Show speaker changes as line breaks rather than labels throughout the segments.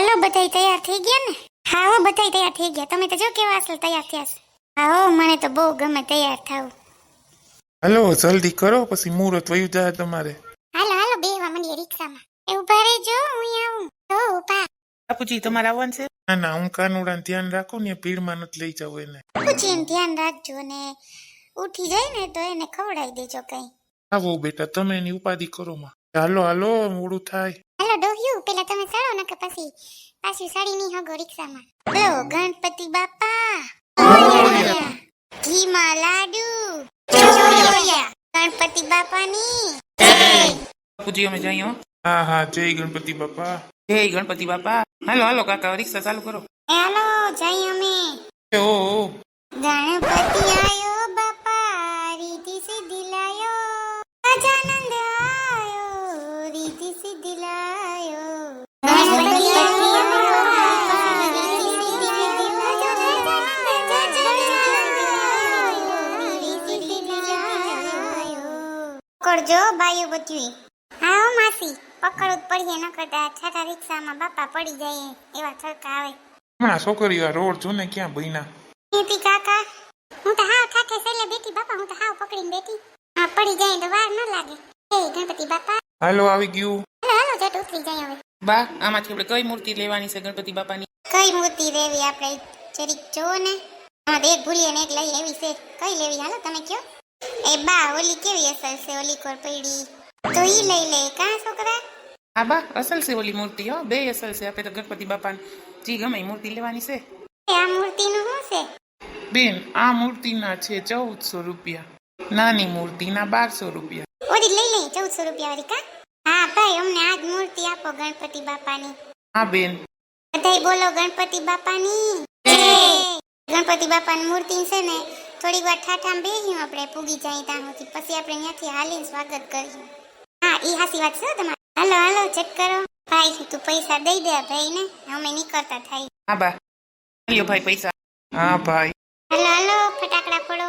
હાલો બધાય તૈયાર થઈ ગયા ને? હા હો બધાય તૈયાર થઈ ગયા. તમે તો જો કેવા અસલ તૈયાર થયા છે. હા હો મને તો બહુ ગમે તૈયાર થાવું.
હાલો જલ્દી કરો પછી મુહૂર્ત વયું જાય તમારે.
હાલો હાલો બેહવા મંડીએ રિક્ષામાં. એ ઉભા રહેજો હું આવું. તો ઉભા.
બાપુજી તમારે આવવાનું છે?
ના ના હું કાનુડાને ધ્યાન રાખું ને ભીડમાં નથી લઈ જાવ એને.
પૂછીને ધ્યાન રાખજો ને ઉઠી જાય ને તો એને ખવડાવી દેજો કઈ.
આવો બેટા તમે એની ઉપાધિ કરો માં. હાલો હાલો મોડું થાય.
હાલો ડોહ્યું પેલા તમે ચડો ને કે પછી પાછી સાડી ની હગો રિક્ષામાં. બોલો ગણપતિ બાપા ઘીમાં લાડુ ગણપતિ બાપાની
બાપુજી અમે જઈએ હો.
હા હા જય ગણપતિ બાપા.
જય ગણપતિ બાપા. હાલો હાલો કાકા રિક્ષા ચાલુ કરો.
હાલો જઈ અમે.
ઓ
ગણપતિ આયો બાપા રીતિ સિદ્ધિ લાયો ગજાનંદ આયો રીતિ સિદ્ધિ લાયો ગણપતિ કરજો બાયું બધું. હા માસી પકડવું જ પડીએ ન કરતા છાટા રિક્ષામાં બાપા પડી જાય એવા થડકા આવે.
હમણાં છોકરીઓ આ રોડ જો ને ક્યાં બહીના.
નીતિ કાકા હું તો હાવ ઠાઠે સેલે બેઠી બાપા હું તો હાવ પકડીને બેઠી. હા પડી જાય તો વાર ન લાગે. એ ગણપતિ બાપા
હાલો આવી ગયું.
હાલો હાલો જટ ઉતરી જાય હવે.
બા આમાંથી આપણે કઈ મૂર્તિ લેવાની છે ગણપતિ બાપાની?
કઈ મૂર્તિ લેવી આપણે જરીક જોવો ને. હા એક ભૂલીએ ને એક લઈ એવી છે. કઈ લેવી હાલો તમે કયો. એ બા ઓલી કેવી અસર છે ઓલી કોર પડી તો ઈ લઈ લે કા છોકરા.
હા બા અસલ છે ઓલી મૂર્તિ હો. બે અસલ છે. આપણે તો ગણપતિ બાપાને જી ગમે એ મૂર્તિ લેવાની છે.
આ મૂર્તિનું શું છે?
બેન આ મૂર્તિના છે 1400 રૂપિયા. નાની મૂર્તિના 1200 રૂપિયા.
ઓરી લઈ લઈ 1400 રૂપિયા વાળી કા. હા ભાઈ અમને આજ મૂર્તિ આપો ગણપતિ બાપાની.
હા બેન.
બધાય બોલો ગણપતિ બાપાની ગણપતિ બાપાની મૂર્તિ છે ને થોડીક વાર ઠાઠામાં બેહ્યું આપણે પૂગી જાય ત્યાં સુધી પછી આપણે ત્યાંથી હાલીને સ્વાગત કરીશું. હા ઈ હાસી વાત છે તમારે. હાલો હાલો ચેક કરો. ભાઈ તું પૈસા દઈ દે ભાઈ ને અમે નીકળતા થાય.
હા બા લ્યો ભાઈ પૈસા.
હા ભાઈ.
હાલો હાલો ફટાકડા ફોડો.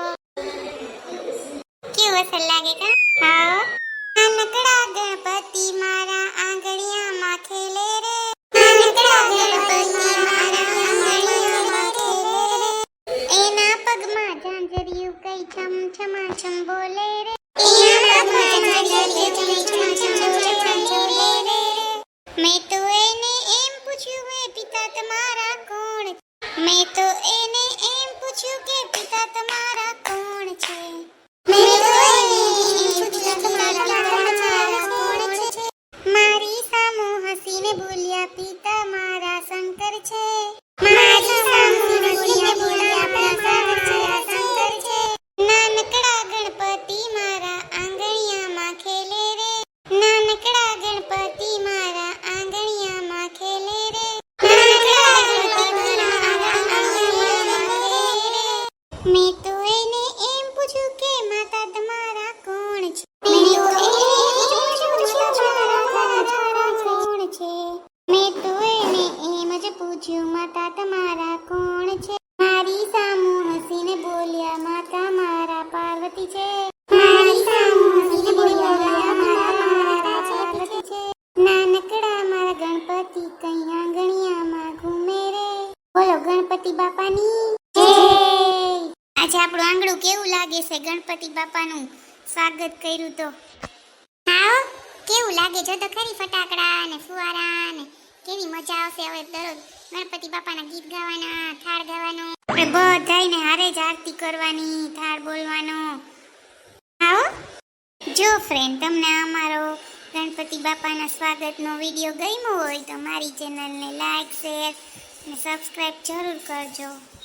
કેવું અસર લાગે કા? હા નાનકડા ગણપતિ મારા આંગળીયામાં ખેલે રે નાનકડા ગણપતિ મારા આંગળીયામાં ખેલે રે એના પગમાં ઝાંઝરિયું કઈ છમ છમા છમ બોલે રે એના પગમાં ઝાંઝરિયું કઈ છમ છમ બોલે રે મેં તો એને એમ પૂછ્યું હે પિતા તમારા કોણ. મેં તો એને એમ પૂછ્યું કે પિતા તમારા કોણ છે. મેં તો એને એમ પૂછ્યું તમારા કોણ છે. મારી સામુ હસીને બોલ્યા પિતા મારા શંકર છે. મારી સામુ હસીને બોલ્યા પિતા મારા શંકર છે. નાનકડા ગણપતિ મારા આંગણિયામાં ખેલે રે નાનકડા ગણપતિ મારા આંગણિયામાં ખેલે રે નાનકડા ગણપતિ મારા આંગણિયામાં ખેલે રે. મેં તો એને એમ પૂછ્યું કે માતા તમારા કોણ છે. મેં તો એને એમ પૂછ્યું તમારા કોણ છે. મેં તો એને એમ જ પૂછ્યું માતા તમારા કોણ છે. મારી સામુ હસીને બોલ્યા માતા મારા પાર્વતી છે. મારી સામુ હસીને બોલ્યા માતા મારા પાર્વતી છે. નાનકડા મારા ગણપતિ કઈ આંગણિયામાં ઘૂમે રે બોલો ગણપતિ બાપાની જય. આજે આપણું આંગણું કેવું લાગે છે ગણપતિ બાપાનું સ્વાગત કર્યું તો. હા કેવું લાગે જો તો ખરી ફટાકડા ને ફુવારા ને કેવી મજા આવશે. હવે દરરોજ ગણપતિ બાપાના ગીત ગાવાના થાળ ગાવાનો આપણે બધાયને હારે જ આરતી કરવાની થાળ બોલવાનો. આવો જો ફ્રેન્ડ તમને અમારો ગણપતિ બાપાના સ્વાગતનો વિડીયો ગમ્યો હોય તો મારી ચેનલને લાઈક શેર અને સબસ્ક્રાઇબ જરૂર કરજો.